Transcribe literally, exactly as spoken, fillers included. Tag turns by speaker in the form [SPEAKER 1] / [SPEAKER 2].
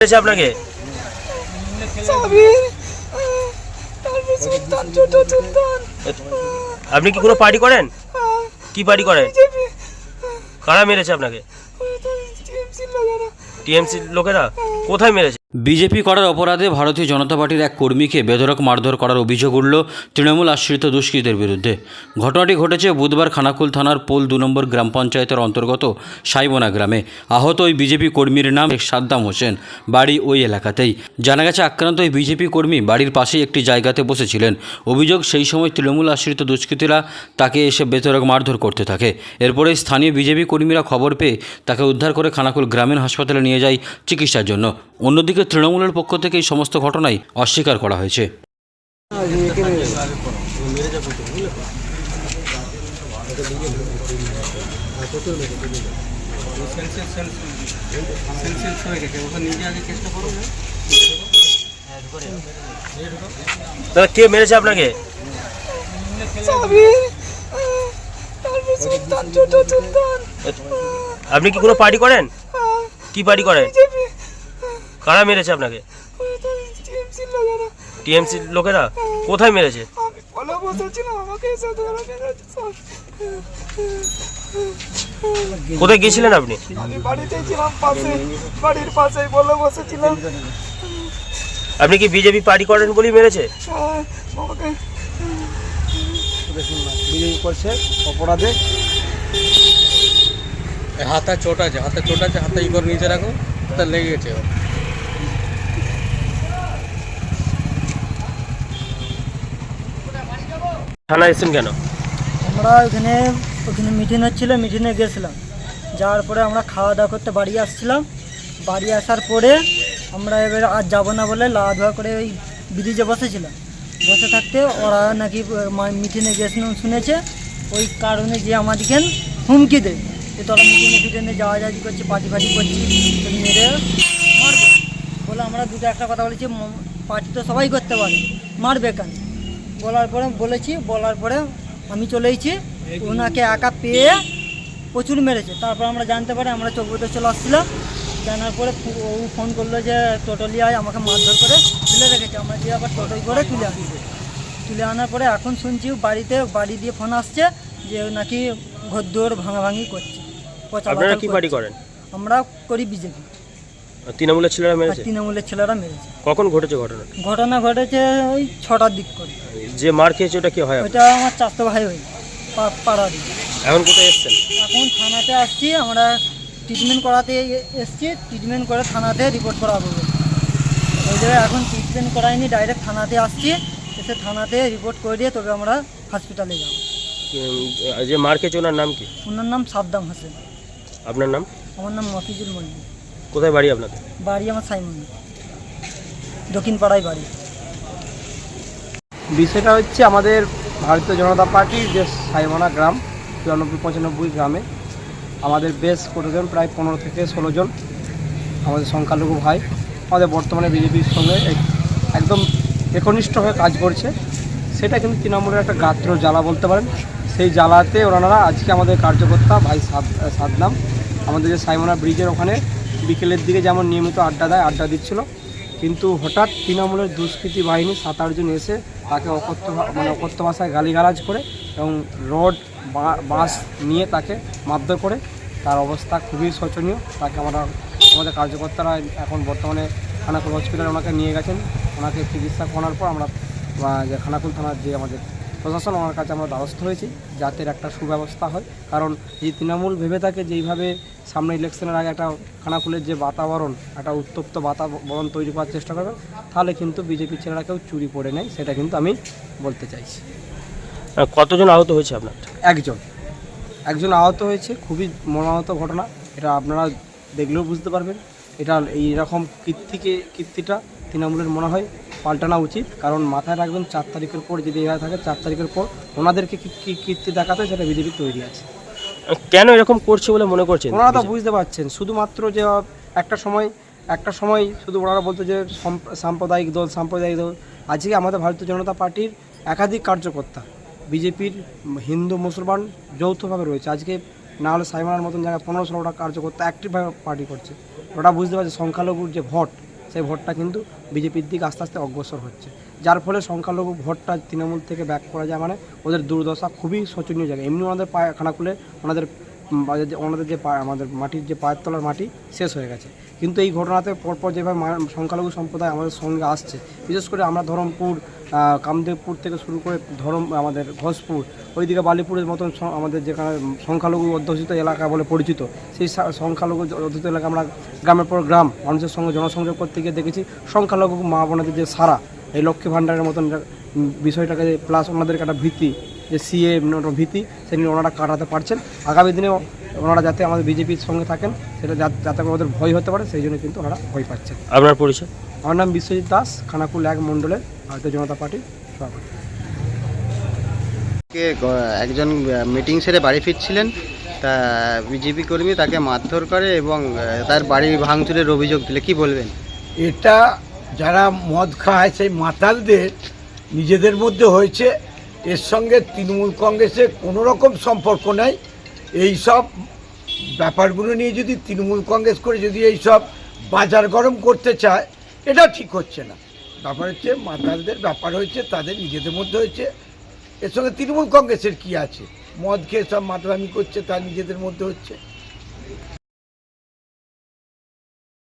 [SPEAKER 1] আপনাকে আপনি কি কোনো পার্টি করেন? কি পার্টি করেন? কারা মেরেছে আপনাকে? টিএমসি লোকেরা। কোথায় মেরেছে?
[SPEAKER 2] বিজেপি করার অপরাধে ভারতীয় জনতা পার্টির এক কর্মীকে বেধড়ক মারধর করার অভিযোগ উঠল তৃণমূল আশ্রিত দুষ্কৃতীদের বিরুদ্ধে। ঘটনাটি ঘটেছে বুধবার খানাকুল থানার পোল দু নম্বর গ্রাম পঞ্চায়েতের অন্তর্গত সাইবোনা গ্রামে। আহত ওই বিজেপি কর্মীর নাম সাদ্দাম হোসেন, বাড়ি ওই এলাকাতেই। জানা গেছে আক্রান্ত ওই বিজেপি কর্মী বাড়ির পাশেই একটি জায়গাতে বসেছিলেন। অভিযোগ, সেই সময় তৃণমূল আশ্রিত দুষ্কৃতীরা তাকে এসে বেধড়ক মারধর করতে থাকে। এরপরে স্থানীয় বিজেপি কর্মীরা খবর পেয়ে তাকে উদ্ধার করে খানাকুল গ্রামীণ হাসপাতালে নিয়ে যায় চিকিৎসার জন্য। অন্যদিকে তৃণমূলের পক্ষ থেকে এই সমস্ত ঘটনাই অস্বীকার করা হয়েছে।
[SPEAKER 1] কে মেরেছে আপনাকে? আপনি কি কোনো পার্টি করেন? কি পার্টি করেন? কারা মেরেছে আপনাকে? টিএমসি লোকেরা। কোথায় মেরেছে? কোথায় গিয়েছিলেন আপনি? আপনি কি বিজেপি পার্টি করেন বলেই মেরেছে?
[SPEAKER 3] বিজেপি করছে অপরাধে। হাতে চোট আছে, হাতে চোট আছে, হাতে ই করে নিচে রাখো, হাতে লেগে গেছে।
[SPEAKER 1] থানায় এসেছেন কেন?
[SPEAKER 4] আমরা ওখানে ওখানে মিটিং হচ্ছিলো, মিটিংয়ে গেছিলাম। যাওয়ার পরে আমরা খাওয়া দাওয়া করতে বাড়ি আসছিলাম। বাড়ি আসার পরে আমরা এবার আর যাবো না বলে লাওয়া ধোয়া করে ওই ব্রিজে বসেছিলাম। বসে থাকতে ওরা নাকি মিটিংয়ে গেছিলাম শুনেছে, ওই কারণে যে আমাদেরকে হুমকি দেয় যে তোরা মিটিংয়ে ফিটিংয়ে যাওয়া যাওয়া করছি, পার্টি ফার্টি করছি, মেরে মারবে বলে। আমরা দুটো একটা কথা বলেছি, পার্টি তো সবাই করতে পারে, মারবে কেন বলার পরে বলেছি। বলার পরে আমি চলে এসেছি, ওনাকে একা পেয়ে প্রচুর মেরেছে। তারপর আমরা জানতে পারি, আমরা চৌবতে চলে আসছিলাম। জানার পরে ও ফোন করলো যে টোটোলি আয়, আমাকে মারধর করে তুলে রেখেছে। আমরা দিয়ে আবার টোটোই করে তুলে আনি। তুলে আনার পরে এখন শুনছি বাড়িতে বাড়ি দিয়ে ফোন আসছে যে নাকি ঘরদোর ভাঙাভাঙি করছে।
[SPEAKER 1] আপনারা কি পার্টি করেন?
[SPEAKER 4] আমরা করি বিজেপি।
[SPEAKER 1] তৃণমূলের ছেলেরা মেরেছে?
[SPEAKER 4] তৃণমূলের ছেলেরা মেরেছে।
[SPEAKER 1] কখন ঘটেছে ঘটনা?
[SPEAKER 4] ঘটনা ঘটেছে ওই ছটার দিক করে।
[SPEAKER 1] যে মার খেয়েছে ওটা কি হয়?
[SPEAKER 4] ওইটা আমার চাচাতো ভাই হই পাড়া দিয়ে।
[SPEAKER 1] এখন কোথায় এসছেন?
[SPEAKER 4] এখন থানাতে আসছি, আমরা ট্রিটমেন্ট করাতে এসছি। ট্রিটমেন্ট করে থানাতে রিপোর্ট করা হবে। ওই জায়গায় এখন ট্রিটমেন্ট করাইনি, ডাইরেক্ট থানাতে আসছি। এসে থানাতে রিপোর্ট করে দিয়ে তবে আমরা হসপিটালে যাব।
[SPEAKER 1] যে মার খেয়েছে ওনার নাম কি?
[SPEAKER 4] ওনার নাম সাদ্দাম হোসেন।
[SPEAKER 1] আপনার নাম?
[SPEAKER 4] আমার নাম মফিজুল মল্লিক।
[SPEAKER 1] কোথায় বাড়ি আপনাদের?
[SPEAKER 4] বাড়ি আমার সাইমনি, দক্ষিণ পাড়ায় বাড়ি।
[SPEAKER 3] বিষয়টা হচ্ছে আমাদের ভারতীয় জনতা পার্টির যে সাইবোনা গ্রাম, চুরানব্বই পঁচানব্বই গ্রামে আমাদের বেশ কতজন, প্রায় পনেরো থেকে ষোলো জন আমাদের সংখ্যালঘু ভাই আমাদের বর্তমানে বিজেপির সঙ্গে একদম একনিষ্ঠ হয়ে কাজ করছে। সেটা কিন্তু তৃণমূলের একটা গাত্র জ্বালা বলতে পারেন। সেই জ্বালাতে ওনারা আজকে আমাদের কার্যকর্তা ভাই সাদ্দাম আমাদের যে সাইবোনা ব্রিজের ওখানে বিকেলের দিকে যেমন নিয়মিত আড্ডা দেয়, আড্ডা দিচ্ছিল। কিন্তু হঠাৎ তৃণমূলের দুষ্কৃতী বাহিনী সাত আটজন এসে তাকে অকথ্য মানে অকথ্য ভাষায় গালিগালাজ করে এবং রড বাঁশ নিয়ে তাকে মারধর করে। তার অবস্থা খুবই শোচনীয়। তাকে আমরা আমাদের কার্যকর্তারা এখন বর্তমানে খানাকুল হসপিটালে ওনাকে নিয়ে গেছেন। ওনাকে চিকিৎসা করার পর আমরা যে খানাকুল থানার যে আমাদের প্রশাসন, ওনার কাছে আমরা দ্বারস্থ হয়েছি যাতে একটা সুব্যবস্থা হয়। কারণ এই তৃণমূল ভেবে থাকে যে এইভাবে সামনে ইলেকশনের আগে একটা খানাকুলের যে বাতাবরণ, একটা উত্তপ্ত বাতাবরণ তৈরি করার চেষ্টা করবে, তাহলে কিন্তু বিজেপির ছেলেরা কেউ চুরি পড়ে নেয়, সেটা কিন্তু আমি বলতে চাইছি।
[SPEAKER 1] কতজন আহত হয়েছে আপনার?
[SPEAKER 3] একজন একজন আহত হয়েছে, খুবই মর্মাহত ঘটনা। এটা আপনারা দেখলেও বুঝতে পারবেন। এটা এইরকম কীর্তিকে কীর্তিটা তৃণমূলের মনে হয় পাল্টানো উচিত। কারণ মাথায় রাখবেন, চার তারিখের পর যদি এভাবে থাকে, চার তারিখের পর ওনাদেরকে কী কীর্তি দেখাতে সেটা বিজেপি তৈরি আছে।
[SPEAKER 1] কেন এরকম করছে বলে মনে করছেন?
[SPEAKER 3] ওনারা তো বুঝতে পারছেন, শুধুমাত্র যে একটা সময় একটা সময় শুধু ওনারা বলতো যে সাম্প্রদায়িক দল সাম্প্রদায়িক দল। আজকে আমাদের ভারতীয় জনতা পার্টির একাধিক কার্যকর্তা বিজেপির হিন্দু মুসলমান যৌথভাবে রয়েছে। আজকে না হলে সাইমানার মতন জায়গায় পনেরো ষোলোটা কার্যকর্তা অ্যাক্টিভভাবে পার্টি করছে। ওটা বুঝতে পারছে সংখ্যালঘুর যে ভোট, সেই ভোটটা কিন্তু বিজেপির দিকে আস্তে আস্তে অগ্রসর হচ্ছে, যার ফলে সংখ্যালঘু ভোটটা তৃণমূল থেকে ব্যাক করা যায়, মানে ওদের দুর্দশা খুবই শোচনীয় জায়গা। এমনি ওনাদের পায়ে খানাকুলে ওনাদের উম, বা যে- ওনাদের যে পা- আমাদের মাটির যে পায়ের তলার মাটি শেষ হয়ে গেছে। কিন্তু এই ঘটনাতে পরপর যেভাবে মা- সংখ্যালঘু সম্প্রদায় আমাদের সঙ্গে আসছে, বিশেষ করে আমরা ধরমপুর, আহ, কামদেবপুর থেকে শুরু করে ধরম আমাদের ঘোষপুর, ওইদিকে বালিপুরের মতন স- আমাদের যেখানে সংখ্যালঘু অধ্যুষিত এলাকা বলে পরিচিত, সেই সা- সংখ্যালঘু অধ্যুষিত এলাকা আমরা গ্রামের পর গ্রাম মানুষের সঙ্গে জনসংযোগ করতে গিয়ে দেখেছি সংখ্যালঘু মা বোনেদের যে সারা এই লক্ষ্মী ভাণ্ডারের মতন একটা, উম, বিষয়টাকে প্লাস ওনাদেরকে একটা ভীতি, যে সিএ ভীতি, সেটা নিয়ে ওনারা কাটাতে পারছেন। আগামী দিনে ওনারা যাতে আমাদের বিজেপির সঙ্গে থাকেন, সেটা যা- যাতে করে ওদের ভয় হতে পারে, সেই জন্য কিন্তু ওনারা ভয় পাচ্ছেন।
[SPEAKER 1] আপনার পরিচয়?
[SPEAKER 3] আমার নাম বিশ্বজিৎ দাস, খানাকুল এক মণ্ডলের ভারতীয় জনতা পার্টির সভাপতি।
[SPEAKER 5] কে গ- একজন মিটিং সেরে বাড়ি ফিরছিলেন, তা বিজেপি কর্মী তাকে মারধর করে এবং আহ, তার বাড়ি ভাঙচুরের অভিযোগ দিলে কি বলবেন?
[SPEAKER 6] এটা যারা মদ খায় সেই মাতালদের নিজেদের মধ্যে হয়েছে, এর সঙ্গে তৃণমূল কংগ্রেসের কোনো রকম সম্পর্ক নেই। এই সব ব্যাপারগুলো নিয়ে যদি তৃণমূল কংগ্রেস করে যদি এই সব বাজার গরম করতে চায়, এটা ঠিক হচ্ছে না। ব্যাপার হচ্ছে মাতালদের ব্যাপার হয়েছে, তাদের নিজেদের মধ্যে হয়েছে, এর সঙ্গে তৃণমূল কংগ্রেসের কি আছে? মদ খেয়ে সব মাতলামি করছে, তার নিজেদের মধ্যে হচ্ছে।